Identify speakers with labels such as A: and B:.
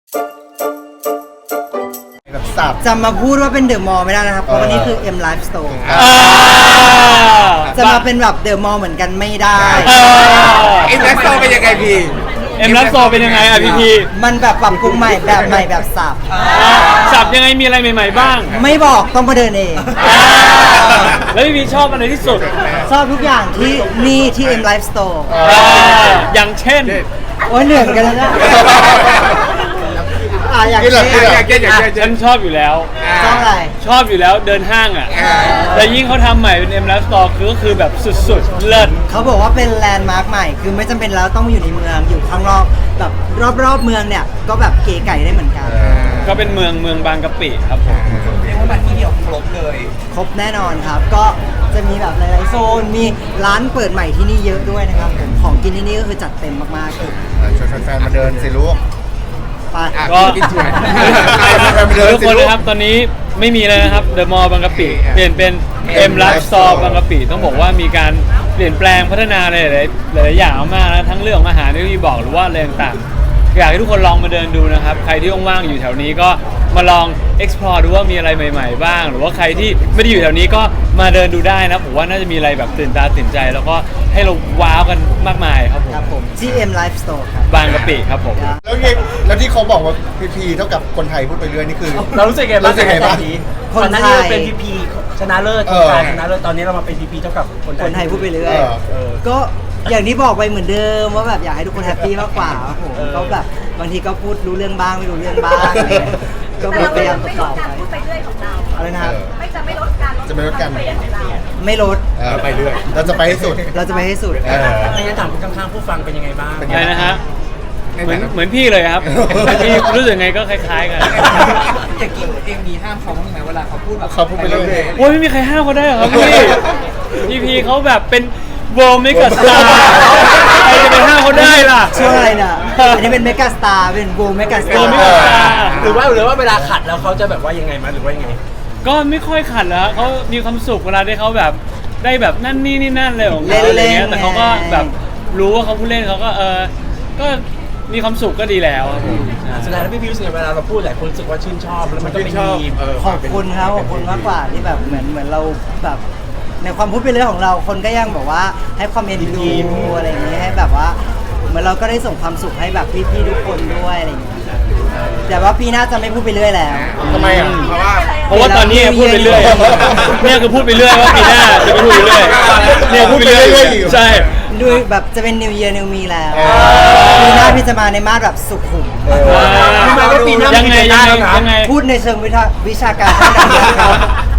A: แบบสับ
B: จะมาพูดว่าเป็นเดอะมอลล์ไม่ได้นะครับเพราะวันนี้คือ M Life Store จะมาเป็นแบบเดอะมอลล์เหมือนกันไม่ได้
A: เอ็มแลสโตเป็นยังไงพี่
C: เอ็มรัสโซเป็นยังไงอ่ะพี่พี
B: มันแบบปรับปรุงใหม่แบบสับ
C: สับยังไงมีอะไรใหม่ๆบ้าง
B: ไม่บอกต้องมาเดินเอง
C: แล้วพี่พีชอบอะไรที่สุด
B: ชอบทุกอย่างที่นี่ที่ M Life Store
C: อย่างเช่น
B: โอ้ยเหนื่อยเหมือนกันนะอย่างเช่น
C: ฉันชอบอยู่แล้ว
B: ชอบอะไร
C: ชอบอยู่แล้วเดินห้างอ่ะแต่ยิ่งเขาทำใหม่เป็นเอ็มรัสโซก็คือแบบสุดๆเลิศ
B: เขาบอกว่าเป็นแลนด์มาร์คใหม่คือไม่จำเป็นแล้วต้องอยู่ในเมืองอยู่ข้างนอกแบบรอบๆเมืองเนี่ยก็แบบเก๋ไก่ได้เหมือนกัน
C: ก็เป็นเมืองบางกะปิครับผม
A: เรียกว่ามาที่เดียวครบเลย
B: ครบแน่นอนครับ ก็จะมีแบบหลายๆโซนมีร้านเปิดใหม่ที่นี่เยอะด้วยนะครับผมของกินที่นี่ก็คือจัดเต็มมากๆเลย
A: ชวนแฟนๆมาเดินสิลูก
B: ไป
C: ก็
A: กินถั่ว
C: ทุกคนนะครับตอนนี้ไม่มีเลยนะครับเดอะมอลล์บางกะปิเปลี่ยนเป็นเอ็มรัสโซบางกะปิต้องบอกว่ามีการเปลี่ยนแปลงพัฒนาหลายๆอย่างมากนะทั้งเรื่องของอาหารที่พี่บอกหรือว่าอะไรต่างๆอยากให้ทุกคนลองมาเดินดูนะครับใครที่ว่างๆอยู่แถวนี้ก็มาลอง explore ดูว่ามีอะไรใหม่ๆบ้างหรือว่าใครที่ไม่ได้อยู่แถวนี้ก็มาเดินดูได้นะผมว่าน่าจะมีอะไรแบบตื่นตาตื่นใจ แล้วก็ให้เราว้าวกันมากมายครับผม
B: ครับผมที่ M Life Store ครับ
C: บางกะปิครับผม
A: แล้วที่เขาบอกว่าพีเท่ากับคนไทยพูดไปเรื่อยนี่คือ
D: เรารู้สึกไงบ้าง
A: รู้สึกไงบ้าง
B: คนไทย
D: ก่อหน้านี้เราเป็นพีพีชนะเลิศโครงการชนะเลิศตอนนี้เรามาเป็นพีพีเท่ากับคน
B: คนไทยพูดไปเรื่อย
A: เออ
B: ก็อย่างที่บอกไปเหมือนเดิมว่าแบบอยากให้ทุกคนแฮปปี้มากกว่าครับผมก็แบบบางทีก็พูดรู้เรื่องบ้างไม่รู้เรื่องบ้างอะไรเงี้ยก็
E: แต่เรา
B: พยายามต
E: ไม่
B: อ
E: ล
B: บ
E: ด
B: ๆ
E: การ
B: ไป
E: พูดไปเรื่อยของเรา
B: อะไรนะครับ
E: จะไม่ลดการ
A: จะไม่ลดการ
E: พูไปเรื่อยของเรา
B: ไม่ลด
A: ไปเรื่อยเราจะไปให้สุด
B: เราจะไปให้สุด
D: ในงั้นถามคนข้างๆผู้ฟังเป็นยังไงบ้าง
C: อะไรนะฮะเหมือนพี่เลยครับพี่รู้สึกไงก็คล้ายๆกัน
F: อย่างกี้เองมีห้ามเขาบ้างไหมเวลาเขาพูดแบบ
A: เขาพูดไปเรื่อย
C: โอ้ยไม่มีใครห้ามเขาได้หรอครับพี่พีเขาแบบเป็นโวเมกาสตาร์ใครจะไปห้ามเขาได้ล่ะ
B: ช่วงอะไรน่ะอันนี้เป็นเมกาสตาร์เป็นโบเมกาสตา
C: โว
B: ร์
C: เมกาสตาร์
D: หรือว่าเวลาขัดแล้วเขาจะแบบว่ายังไงมาหรือว่ายังไง
C: ก็ไม่ค่อยขัดแล้วเขามีความสุขเวลาที่เขาแบบได้แบบนั่นนี่นั่นเลยของเขาอะไรเงี้ยแต่เขาก็แบบรู้ว่าเขาพูดเล่นเขาก็ก็มีความสุขก็ดีแล้วครับผม
D: สุดท้ายแล้วพี่พิวรู้สึกไงเวลาเราพูดหลายคนรู้สึกว่าชื่นชอบแล้วมันก็เป็นมีม
B: ขอบคุณครับขอบคุณมากกว่าที่แบบเหมือนเราแบบในความพูดเป็นเรื่องของเราคนก็ยังแบบว่าให้ความเอ็นดูอะไรอย่างนี้ให้แบบว่าเหมือนเราก็ได้ส่งความสุขให้แบบพี่ๆทุกคนด้วยอะไรอย่างเงี้ยแต่ว่าปีหน้าจะไม่พูดไปเรื่อยแล้ว
A: ทำไมอ่ะเพราะว่า
C: เพราะว่าตอนนี้พูดไปเรื่อยเนี่ยคือพูดไปเรื่อยว่าปีหน้าจะไม่พูดไปเรื่อยเนี่ยพูดไปเรื่อยใช่
B: ดูแบบจะเป็น New Year New Me แล้วปีหน้าพี่จะมาในมาสแบบสุขุม
D: รู้ไหมว่าปีหน้า
C: ยังไง
D: ยังไง
B: พูดในเชิงวิชาการเท่านั้น